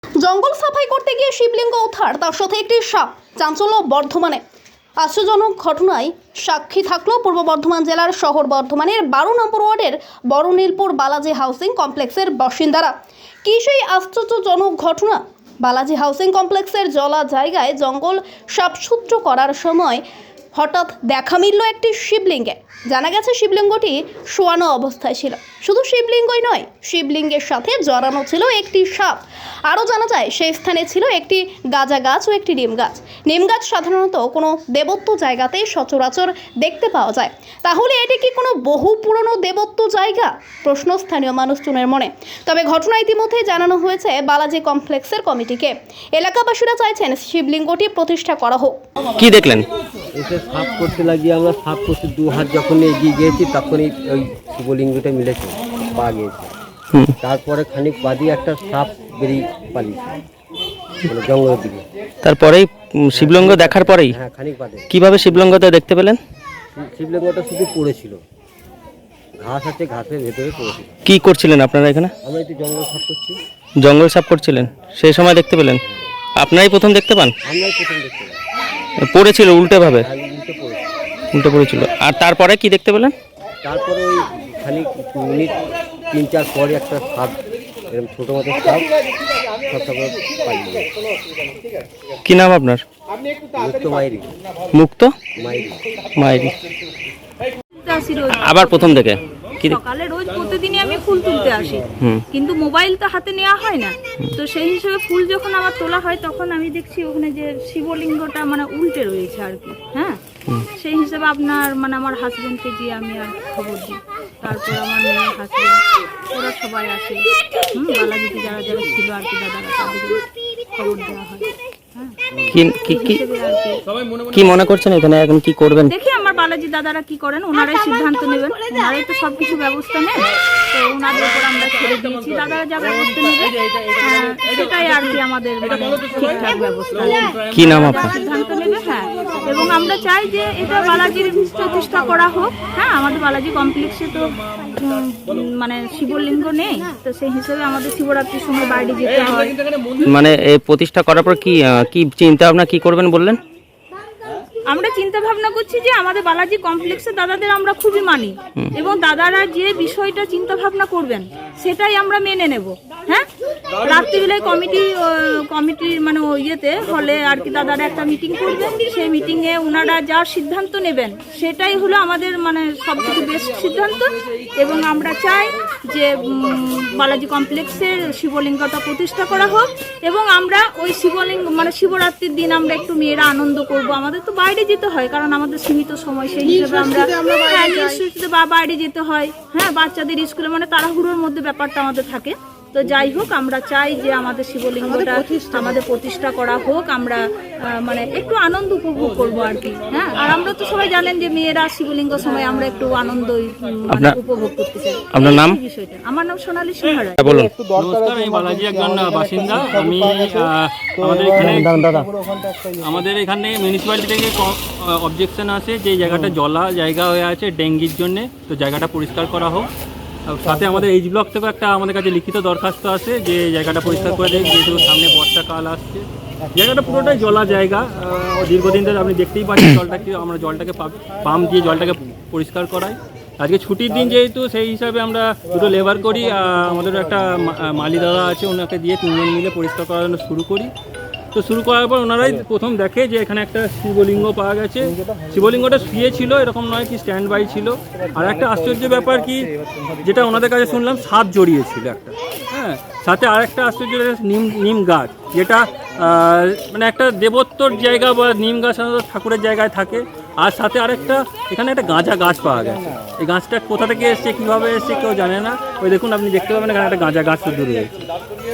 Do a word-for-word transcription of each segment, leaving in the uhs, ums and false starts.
জঙ্গল সাফাই করতে গিয়ে শিবলিঙ্গ উদ্ধার, তার সাথে একটি সাপ। চাঞ্চল্য বর্ধমানে। আশ্চর্যজনক ঘটনায় সাক্ষী থাকলো পূর্ব বর্ধমান জেলার শহর বর্ধমানের বারো নম্বর ওয়ার্ডের বড়নীলপুর বালাজি হাউসিং কমপ্লেক্সের বাসিন্দারা। কি সেই আশ্চর্যজনক ঘটনা! বালাজি হাউসিং কমপ্লেক্সের জলা জায়গায় জঙ্গল সাফসুতরো করার সময় হঠাৎ দেখা মিলল একটি শিবলিঙ্গে। জানা গেছে শিবলিঙ্গটি শোয়ানো অবস্থায় ছিল। শুধু শিবলিঙ্গই নয়, শিবলিঙ্গের সাথে জড়ানো ছিল একটি সাপ। আরও জানা যায় সেই স্থানে ছিল একটি গাঁজা গাছ ও একটি নিম গাছ। নিম গাছ সাধারণত কোনো দেবত্ব জায়গাতেই সচরাচর দেখতে পাওয়া যায়। তাহলে এটি কি কোনো বহু পুরনো দেবত্ব জায়গা? প্রশ্ন স্থানীয় মানুষজনের মনে। তবে ঘটনা ইতিমধ্যে জানানো হয়েছে বালাজি কমপ্লেক্সের কমিটিকে। এলাকাবাসীরা চাইছেন শিবলিঙ্গটি প্রতিষ্ঠা করা হোক। কি দেখলেন? এসে সাফ করতে লাগিয়ে আমরা সাফ করতে দু হাত যখন এগিয়ে গিয়েছি তখনই ওই শিবলিঙ্গটা মিলেছে, পা গিয়েছে। তারপরে খানিক বাদই একটা সাপ বেরিয়ে পালিয়েছে মানে জঙ্গলের দিকে। তারপরেই শিবলিঙ্গ দেখার পরেই? হ্যাঁ, খানিক বাদে। কিভাবে শিবলিঙ্গটা দেখতে পেলেন? শিবলিঙ্গটা শুধু পড়েছিল, ঘাস আছে, ঘাসের ভেতরে পড়েছিল। কি করছিলেন আপনারা এখানে? আমরা একটু জঙ্গল সাফ করছি। জঙ্গল সাফ করছিলেন, সেই সময় দেখতে পেলেন? আপনারাই প্রথম দেখতে পান? আমরাই প্রথম দেখতে পেলাম। পড়েছিল উল্টে ভাবে? আর উল্টে পড়েছিল। উল্টে পড়েছিল। আর তারপরে কি দেখতে পেলেন? তারপরে ওই খানিক মিনিট তিন চার পরে একটা সাপ, এরকম ছোটো মতো সাপ সব সব পালিয়ে। কি নাম আপনার? মুক্ত মাইরি। মুক্ত মাইরি মাইরি। আসি রোজ আবার প্রথম থেকে কি? সকালে রোজ প্রতিদিনই আমি ফুল তুলতে আসি, কিন্তু মোবাইল তো হাতে নেওয়া হয় না। তো সেই হিসেবে ফুল যখন আমার তোলা হয় তখন আমি দেখছি ওখানে যে শিবলিঙ্গটা মানে উল্টে রয়েছে আর কি। হ্যাঁ, সেই হিসেবে আপনার মানে আমার হাজবেন্ডকে গিয়ে আমি আর খবর দিই। তারপর আমার মেয়ে, হাজবেন্ড, ওরা সবাই আসে। হুম বালাজিতে যারা যারা ছিল আর কি, দাদারা, তাদের খবর দেওয়া হয়। কি কি কি কি মনে করছেন এখানে এখন কি করবেন? দেখি আমার বালাজি দাদারা কি করেন, ওনারাই সিদ্ধান্ত নেবেন। ওনারাই তো সবকিছু ব্যবস্থা নেন, তো ওনাদের উপর আমরা ছেড়ে দিয়েছি। দাদারা যা ব্যবস্থা নেবে সেটাই আর কি আমাদের মানে ঠিকঠাক ব্যবস্থা। কি নাম আপনার? সিদ্ধান্ত নেবে। হ্যাঁ, এবং আমরা চাই যে এটা বালাজির প্রতিষ্ঠা করা হোক। হ্যাঁ, আমাদের বালাজি কমপ্লেক্সে তো উম, মানে শিবলিঙ্গ নেই, তো সেই হিসেবে আমাদের শিবরাত্রির সময় বাইরে যেতে হয়। মানে এই প্রতিষ্ঠা করার পর কি আহ, কি চিন্তা ভাবনা কি করবেন বললেন? আমরা চিন্তা ভাবনা করছি যে আমাদের বালাজি কমপ্লেক্সে দাদাদের আমরা খুবই মানি, এবং দাদারা যে বিষয়টা চিন্তা ভাবনা করবেন সেটাই আমরা মেনে নেব। হ্যাঁ, রাত্রিবেলায় কমিটি কমিটির মানে ইয়েতে হলে আর কি দাদারা একটা মিটিং করবেন। সেই মিটিংয়ে ওনারা যা সিদ্ধান্ত নেবেন সেটাই হলো আমাদের মানে সবথেকে বেস্ট সিদ্ধান্ত। এবং আমরা চাই যে বালাজি কমপ্লেক্সের শিবলিঙ্গটা প্রতিষ্ঠা করা হোক, এবং আমরা ওই শিবলিঙ্গ মানে শিবরাত্রির দিন আমরা একটু মেয়েরা আনন্দ করব। আমাদের তো বাইরে যেতে হয়, কারণ আমাদের সীমিত সময়, সেই হিসেবে আমরা বা বাইরে যেতে হয়। হ্যাঁ, বাচ্চাদের স্কুলে মানে তাড়াহুড়োর মধ্যে ব্যাপারটা আমাদের থাকে। তো যাই হোক, আমরা চাই যে আমাদের শিবলিঙ্গটা আমাদের প্রতিষ্ঠা করা হোক। আমরা মানে একটু আনন্দ উপভোগ করব আর কি। হ্যাঁ, আর আমরা তো সবাই জানেন যে মেয়েরা শিবলিঙ্গ সময় আমরা একটু আনন্দ মানে উপভোগ করতে চাই। আপনার নাম? বিষয়টা আমার নাম সোনালী সিংহ রায়। বলুন। নমস্কার, আমি বালাজি একজন বাসিন্দা। আমি আমাদের এখানে আমাদের এখানে মিউনিসিপ্যালিটি থেকে অবজেকশন আছে যে জায়গাটা জলা জায়গা হয়ে আছে ডেঙ্গির জন্য, তো জায়গাটা পরিষ্কার করা হোক। সাথে আমাদের এইচ ব্লক থেকে একটা আমাদের কাছে লিখিত দরখাস্ত আছে যে জায়গাটা পরিষ্কার করে দেয়, যেহেতু সামনে বর্ষাকাল আসছে। জায়গাটা পুরোটাই জলা জায়গা, দীর্ঘদিন ধরে আপনি দেখতেই পাচ্ছেন জলটাকে, আমরা জলটাকে পাম্প দিয়ে জলটাকে পরিষ্কার করাই। আজকে ছুটির দিন যেহেতু, সেই হিসাবে আমরা দুটো লেবার করি। আমাদের একটা মালি দাদা আছে, ওনাকে দিয়ে তিনজন মিলে পরিষ্কার করার জন্য শুরু করি। তো শুরু করার পর ওনারাই প্রথম দেখে যে এখানে একটা শিবলিঙ্গ পাওয়া গেছে। শিবলিঙ্গটা শুয়ে ছিল, এরকম নয় কি স্ট্যান্ড বাই ছিল। আর একটা আশ্চর্য ব্যাপার কি, যেটা ওনাদের কাছে শুনলাম, সাপ জড়িয়েছিল একটা। হ্যাঁ, সাথে আরেকটা আশ্চর্য নিম নিম গাছ, যেটা মানে একটা দেবত্বর জায়গা বা নিম গাছ ঠাকুরের জায়গায় থাকে। আর সাথে আরেকটা এখানে একটা গাঁজা গাছ পাওয়া গেছে। এই গাছটা কোথা থেকে এসছে, কীভাবে এসছে কেউ জানে না। ওই দেখুন, আপনি দেখতে পাবেন এখানে একটা গাঁজা গাছ তো দূরে রয়েছে।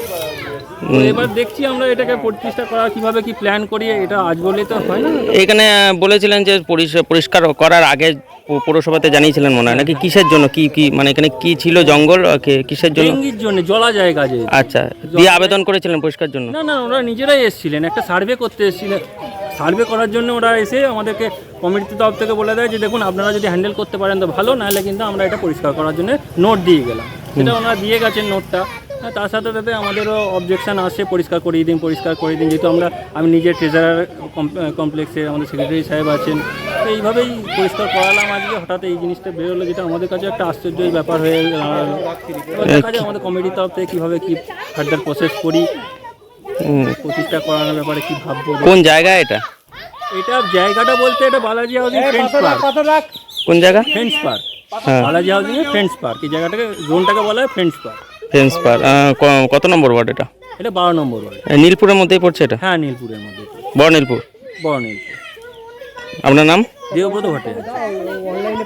তো এবার দেখছি আমরা এটাকে প্রতিষ্ঠা করা কিভাবে কি প্ল্যান করি, এটা আজ বলে তো হয় না। এখানে বলেছিলেন যে পরিষ্কার করার আগে পৌরসভাতে জানিয়েছিলেন মনে হয় নাকি? কিসের জন্য কি কি মানে এখানে কি ছিল জঙ্গল, কিসের জন্য? ডেঙ্গির জন্য, জলা জায়গা যে। আচ্ছা, দিয়ে আবেদন করেছিলেন পরিষ্কার জন্য? না না, ওরা নিজেরাই এসেছিলেন, একটা সার্ভে করতে এসেছিলেন। সার্ভে করার জন্য ওরা এসে আমাদেরকে কমিটির তরফ থেকে বলে দেয় যে দেখুন আপনারা যদি হ্যান্ডেল করতে পারেন তো ভালো, নাহলে কিন্তু আমরা এটা পরিষ্কার করার জন্য নোট দিয়ে গেলাম। সেটা ওনারা দিয়ে গেছেন নোটটা। হ্যাঁ, তার সাথে সাথে আমাদেরও অবজেকশন আসে পরিষ্কার করিয়ে দিন পরিষ্কার করিয়ে দিন, যেহেতু আমরা আমি নিজে ট্রেজারার কমপ্লেক্সে, আমাদের সেক্রেটারি সাহেব আছেন, তো এইভাবেই পরিষ্কার করালাম। আজকে হঠাৎ এই জিনিসটা বেরোলো, যেটা আমাদের কাছে একটা আশ্চর্যই ব্যাপার হয়ে দাঁড়ালো। এবার দেখা যায় আমাদের কমিটির তরফ থেকে কীভাবে কী ফার্দার প্রসেস করি, হুম। প্রতিষ্ঠা করানোর ব্যাপারে কী ভাববো। কোন জায়গায় এটা? এটা জায়গাটা বলতে এটা বালাজি হাউজিং ফ্রেন্ডস পার্ক। কোন জায়গা? ফ্রেন্ডস পার্ক, হ্যাঁ। বালাজি হাউজিং এর ফ্রেন্ডস পার্ক, এই জায়গাটাকে জোনটাকে বলা হয় ফ্রেন্ডস পার্ক। Friends park. কত নম্বর ওয়ার্ড এটা? এটা বারো নম্বর ওয়ার্ড। এ, নীলপুরের মধ্যেই পড়ছে এটা? হ্যাঁ, নীলপুরের মধ্যে। বড় নীলপুর। বড় নীলপুর। আপনার নাম? দেবব্রত ভট্টাচার্য।